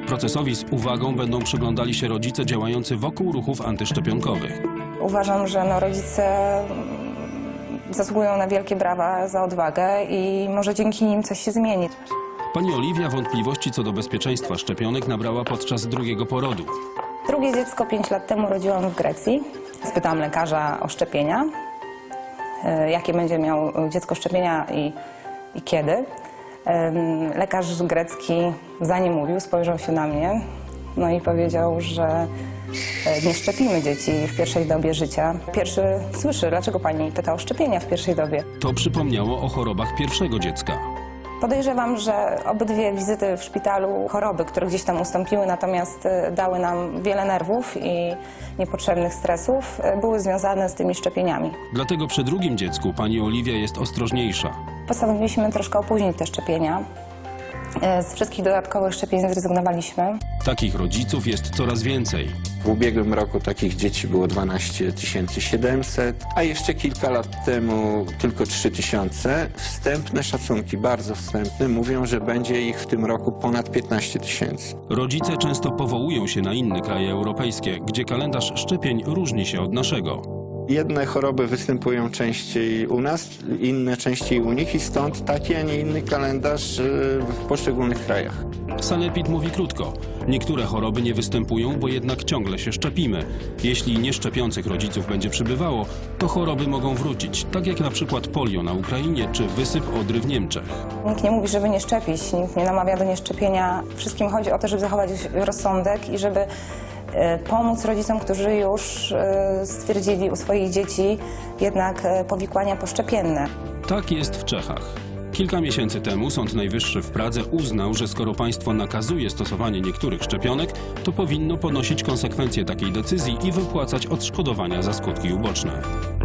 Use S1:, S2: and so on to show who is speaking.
S1: Procesowi z uwagą będą przyglądali się rodzice działający wokół ruchów antyszczepionkowych.
S2: Uważam, że rodzice zasługują na wielkie brawa za odwagę i może dzięki nim coś się zmieni.
S1: Pani Oliwia wątpliwości co do bezpieczeństwa szczepionek nabrała podczas drugiego porodu.
S2: Drugie dziecko 5 lat temu rodziłam w Grecji. Spytałam lekarza o szczepienia, jakie będzie miał dziecko szczepienia i kiedy. Lekarz grecki zanim mówił, spojrzał się na mnie, no i powiedział, że nie szczepimy dzieci w pierwszej dobie życia. Pierwszy słyszy, dlaczego pani pyta o szczepienia w pierwszej dobie.
S1: To przypomniało o chorobach pierwszego dziecka.
S2: Podejrzewam, że obydwie wizyty w szpitalu, choroby, które gdzieś tam ustąpiły, natomiast dały nam wiele nerwów i niepotrzebnych stresów, były związane z tymi szczepieniami.
S1: Dlatego przy drugim dziecku pani Oliwia jest ostrożniejsza.
S2: Postanowiliśmy troszkę opóźnić te szczepienia. Z wszystkich dodatkowych szczepień zrezygnowaliśmy.
S1: Takich rodziców jest coraz więcej.
S3: W ubiegłym roku takich dzieci było 12 700, a jeszcze kilka lat temu tylko 3000. Wstępne szacunki, bardzo wstępne, mówią, że będzie ich w tym roku ponad 15 000.
S1: Rodzice często powołują się na inne kraje europejskie, gdzie kalendarz szczepień różni się od naszego.
S3: Jedne choroby występują częściej u nas, inne częściej u nich i stąd taki, a nie inny kalendarz w poszczególnych krajach.
S1: Sanepid mówi krótko. Niektóre choroby nie występują, bo jednak ciągle się szczepimy. Jeśli nieszczepiących rodziców będzie przybywało, to choroby mogą wrócić, tak jak na przykład polio na Ukrainie czy wysyp odry w Niemczech.
S2: Nikt nie mówi, żeby nie szczepić, nikt nie namawia do nieszczepienia. Wszystkim chodzi o to, żeby zachować rozsądek i żeby pomóc rodzicom, którzy już stwierdzili u swoich dzieci jednak powikłania poszczepienne.
S1: Tak jest w Czechach. Kilka miesięcy temu Sąd Najwyższy w Pradze uznał, że skoro państwo nakazuje stosowanie niektórych szczepionek, to powinno ponosić konsekwencje takiej decyzji i wypłacać odszkodowania za skutki uboczne.